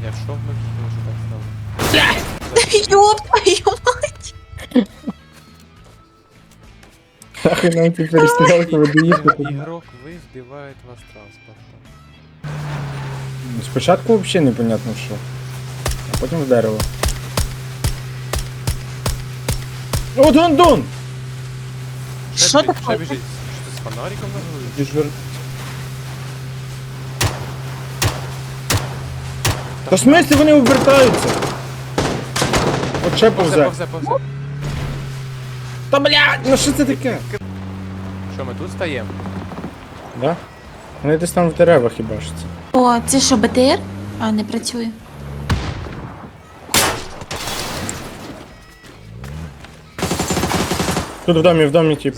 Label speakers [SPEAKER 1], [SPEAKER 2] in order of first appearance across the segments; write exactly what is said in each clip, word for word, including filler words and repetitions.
[SPEAKER 1] Я в шов ми може так стало.
[SPEAKER 2] Ёб твою мать!
[SPEAKER 3] Нахуй нам ці перестрілки видаїхати.
[SPEAKER 1] Ігрок ви збивають вас транспортом.
[SPEAKER 3] Спочатку взагалі непонятно що. А потім в дерево. О, Дон-Дон!
[SPEAKER 2] Що
[SPEAKER 1] біжить,
[SPEAKER 2] таке?
[SPEAKER 1] Ще біжить. Що ти з фонариком на голові?
[SPEAKER 3] Діжур. Та в смислі вони обертаються? От ще
[SPEAKER 1] Повзе,
[SPEAKER 3] повзе.
[SPEAKER 1] повзе, повзе.
[SPEAKER 3] Та блядь, ну що це таке?
[SPEAKER 1] Що, ми тут стаємо?
[SPEAKER 3] Да? Вони десь там в деревах хібашаться.
[SPEAKER 2] О, це що, БТР? А, не працює.
[SPEAKER 3] Тут в домі, в домі, тип.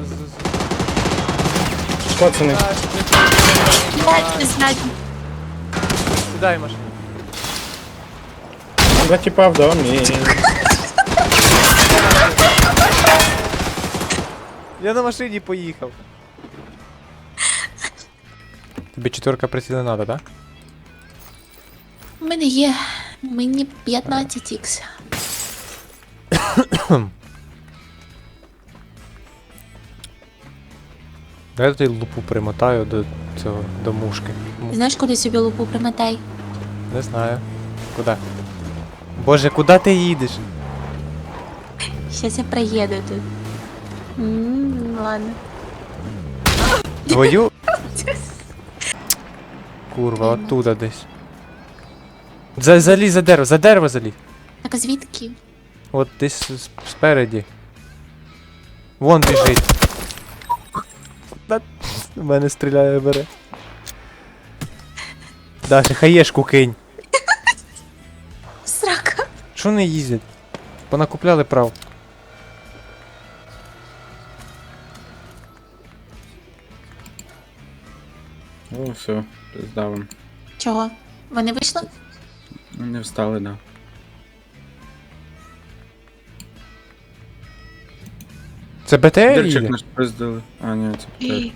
[SPEAKER 3] Пацани.
[SPEAKER 2] Блять, не знаю.
[SPEAKER 1] Сідай в машину.
[SPEAKER 3] Два типа в домі.
[SPEAKER 1] Я на машині поїхав. Тобі четверка приціла надо, да?
[SPEAKER 2] У мене є. Мені п'ятнадцять ікс.
[SPEAKER 1] Дай я тут лупу примотаю до цього, до мушки. М,
[SPEAKER 2] Знаєш, куди собі лупу примотай?
[SPEAKER 1] Не знаю. Куди? Боже, куди ти їдеш?
[SPEAKER 2] Щас я проїду тут. Ммм, ладно.
[SPEAKER 1] Твою? Курва, оттуда десь. За, залізь за дерево, за дерево залізь.
[SPEAKER 2] Так а звідки?
[SPEAKER 1] От десь с- спереді. Вон біжить. Та, в мене стріляє бере. Даша, хаєшку кинь.
[SPEAKER 2] Срака.
[SPEAKER 1] Чого не їздять? Понакупляли прав.
[SPEAKER 3] О, все, здавим.
[SPEAKER 2] Чого? Вони вийшли?
[SPEAKER 3] Ну, не встали, да.
[SPEAKER 1] Це БТР
[SPEAKER 3] Дерчик
[SPEAKER 1] їде?
[SPEAKER 3] наш пиздили. А, ні, це птер.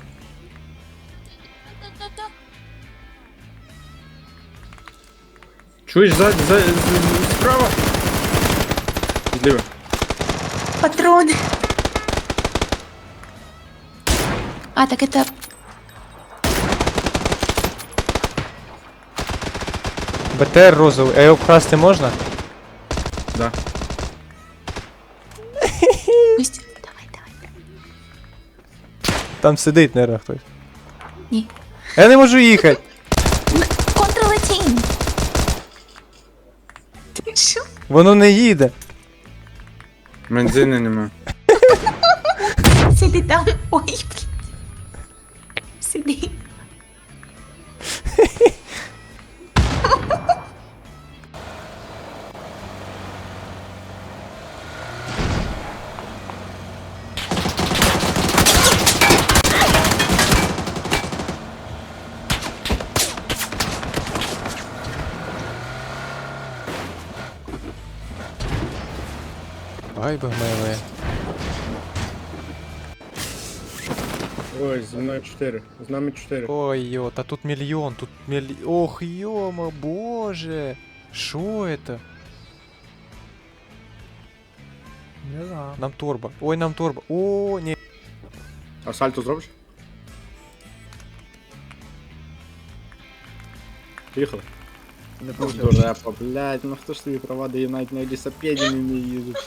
[SPEAKER 3] Чуєш, ззаді, за, з- з- справа? Зліва.
[SPEAKER 2] Патрони. А, так это...
[SPEAKER 1] БТР розовий, а його вкрасти можна?
[SPEAKER 3] Да.
[SPEAKER 2] Пусть. Давай, давай.
[SPEAKER 1] Там сидить, наверное, хтось.
[SPEAKER 2] Ні.
[SPEAKER 1] Я не можу їхати.
[SPEAKER 2] Контролетінь. Ти що?
[SPEAKER 1] Воно не їде.
[SPEAKER 3] Бензини нема.
[SPEAKER 2] Сиди там. Ой, блін. Сиди.
[SPEAKER 1] Ай, богмеле.
[SPEAKER 3] Ой, зі мною чотири. З нами чотири.
[SPEAKER 1] Ой, йо, та тут мільйон, тут мільйон. Ох, йома, боже. Що это? Не знаю. Нам торба. Ой, нам торба. О, ні.
[SPEAKER 3] А сальто зробиш? Поїхали.
[SPEAKER 4] Не
[SPEAKER 3] Дурепа, блядь, ну хто ж тобі права дає, навіть на велосипеді не вміє їздити.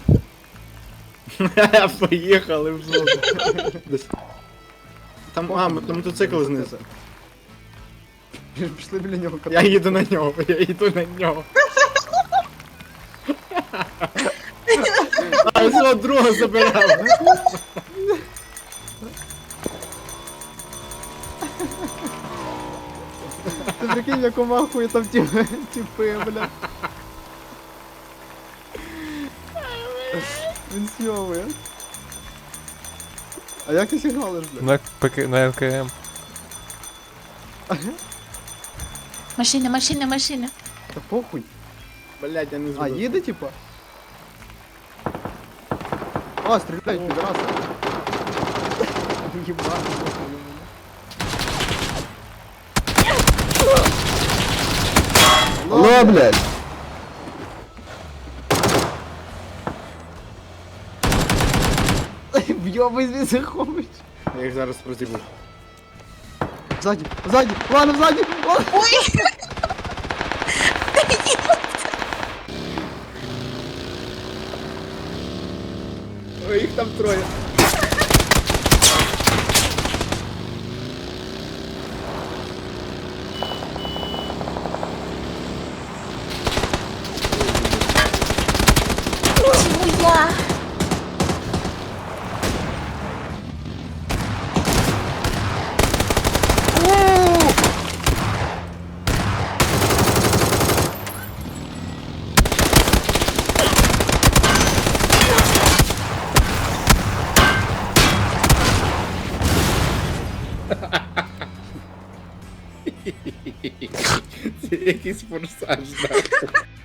[SPEAKER 3] Поїхали в зону. Десь. Там, а, м- там мотоцикл знизу.
[SPEAKER 4] Пішли біля нього
[SPEAKER 3] Я їду на нього, я їду на нього. А свого друга забирав.
[SPEAKER 4] Ти прикинь, яку махує там ті тіпи, бля. Він сьовує. А як ти сигналиш, бля?
[SPEAKER 1] На, ПК, на ЛКМ.
[SPEAKER 2] Машина, машина, машина.
[SPEAKER 4] Та похуй.
[SPEAKER 3] Блядь, я не
[SPEAKER 4] А,
[SPEAKER 3] зробив.
[SPEAKER 4] їде, типа? А, стріляють, підраса. Єбать. Алло, блядь! Вйобай звідси хомич!
[SPEAKER 3] Я їх зараз розібу.
[SPEAKER 4] Ззаді, ззаді, ладно, ззаді! Ладно.
[SPEAKER 2] Ой!
[SPEAKER 3] Ой, їх там троє.
[SPEAKER 2] Чому я?
[SPEAKER 3] Це якийсь форсаж, так.